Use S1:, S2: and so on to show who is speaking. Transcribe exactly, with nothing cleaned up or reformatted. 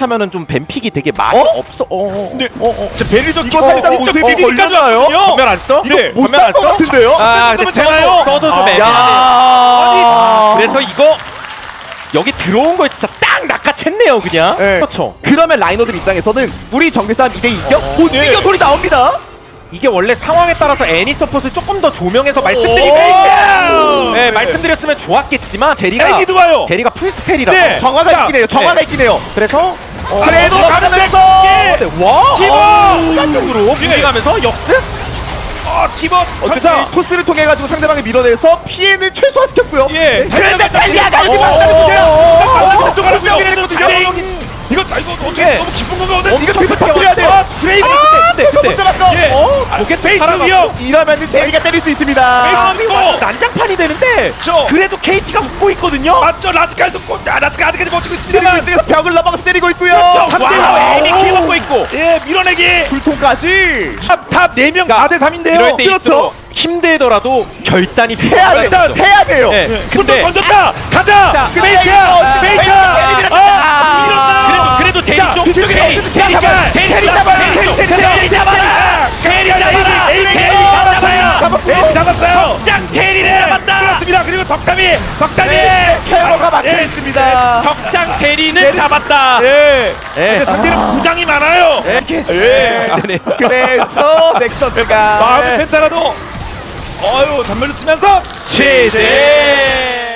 S1: 타면은 좀 뱀픽이 되게 많이
S2: 어?
S1: 없어. 어, 어.
S3: 근데
S1: 어, 어.
S3: 자, 베리도
S2: 이거 살짝 모습이 걸렸나요?
S1: 전멸 안 써?
S2: 이거
S3: 네,
S2: 못
S1: 전멸 안
S2: 살 것
S1: 써?
S2: 같은데요?
S1: 아,
S3: 그러면
S1: 근데
S3: 되나요?
S1: 써도 써도 좀
S3: 아.
S1: 애매하네.
S2: 야.
S1: 그래서 이거 여기 들어온 거에 진짜 딱 낚아챘네요, 그냥.
S2: 네.
S1: 그렇죠.
S2: 그러면 라이너들 입장에서는 우리 정글 싸움 이 대 이겨?
S3: 어,
S2: 못
S3: 네.
S2: 이겨 소리 나옵니다.
S1: 이게 원래 상황에 따라서 애니 서폿을 조금 더 조명해서 말씀드리면
S2: 오!
S1: 네, 말씀드렸으면 좋았겠지만 제리가
S3: 애기도 와요.
S1: 제리가 풀스펠이라서
S3: 네.
S2: 정화가
S3: 자,
S2: 있긴 해요. 정화가 있긴 해요.
S1: 그래서 어,
S2: 그래도
S3: 어,
S2: 가면서
S3: 예.
S1: 네, 와
S3: 집어!
S1: 순간적으로 무리가면서 역습
S3: 어, 티버
S2: 어쨌든
S3: 자,
S2: 토스를 통해 가지고 상대방을 밀어내서 피해는 최소화시켰고요.
S3: 예.
S2: 그런데 달리아가 여기
S3: 오,
S2: 막다는
S3: 오,
S2: 문제야.
S3: 오, 오,
S2: 쪽으로
S3: 오,
S2: 뛰어내거든요.
S3: 이거 아, 이거 어떻게
S1: 예.
S3: 너무 기쁜 건가 오늘?
S2: 이거 드리블 터뜨려야 돼요.
S3: 어, 드레이브
S1: 그때
S2: 못
S1: 그때
S2: 잡았어.
S3: 예.
S1: 어?
S3: 아,
S1: 로켓
S3: 페이스
S1: 살아가고.
S3: 위협.
S2: 이러면은 제리가 때릴 수 있습니다.
S3: 아,
S1: 이거 완전 난장판이 되는데
S3: 저.
S1: 그래도 케이티가 웃고 있거든요.
S3: 맞죠? 라스칼도 꼭 아, 라스칼 아직까지 버티고
S2: 그리고
S3: 있습니다만.
S2: 이쪽에서 벽을 넘어가서 때리고 있고요.
S3: 그렇죠.
S1: 삼 대
S3: 와우.
S1: 사 에이비 키 먹고 있고
S3: 예, 밀어내기.
S2: 불통까지
S3: 탑탑 네 명 사 대 삼인데요.
S1: 이럴 때
S2: 그렇죠.
S1: 있어 힘들더라도 결단이
S2: 해야 돼.
S3: 일단
S2: 해야 돼요.
S1: 네.
S3: 근데
S1: 근데
S3: 건졌다. 가자.
S1: 자,
S2: 근데
S3: 페이크.
S2: 이거
S3: 페이크.
S2: 페이크.
S3: 아,
S1: 그래도 그래도 제리
S3: 자,
S1: 쪽
S2: 뒤쪽에
S1: 제리
S2: 어쨌든
S1: 제리
S2: 제리 잡아요.
S1: 제리
S2: 제리 잡아요.
S1: 제리
S2: 제리,
S1: 쪽
S2: 제리,
S1: 제리
S2: 제리
S1: 잡아라 제리 잡아라
S3: 에이,
S1: 제리
S3: 에이,
S1: 잡아라
S2: 잡았고요.
S3: 에이, 잡았어요.
S1: 짱 제리를 잡았다
S3: 그렇습니다. 그리고 덕담이 덕담이
S2: 네, 캐러가 막혀
S3: 예.
S2: 있습니다.
S1: 적장 제리는 잡았다
S3: 예.
S1: 예.
S3: 근데 상대는 부장이 많아요.
S1: 예.
S2: 예.
S1: 아, 네.
S2: 그래서 넥서스가
S3: 마음의 펜타라도 어유 단물로 치면서
S1: 취재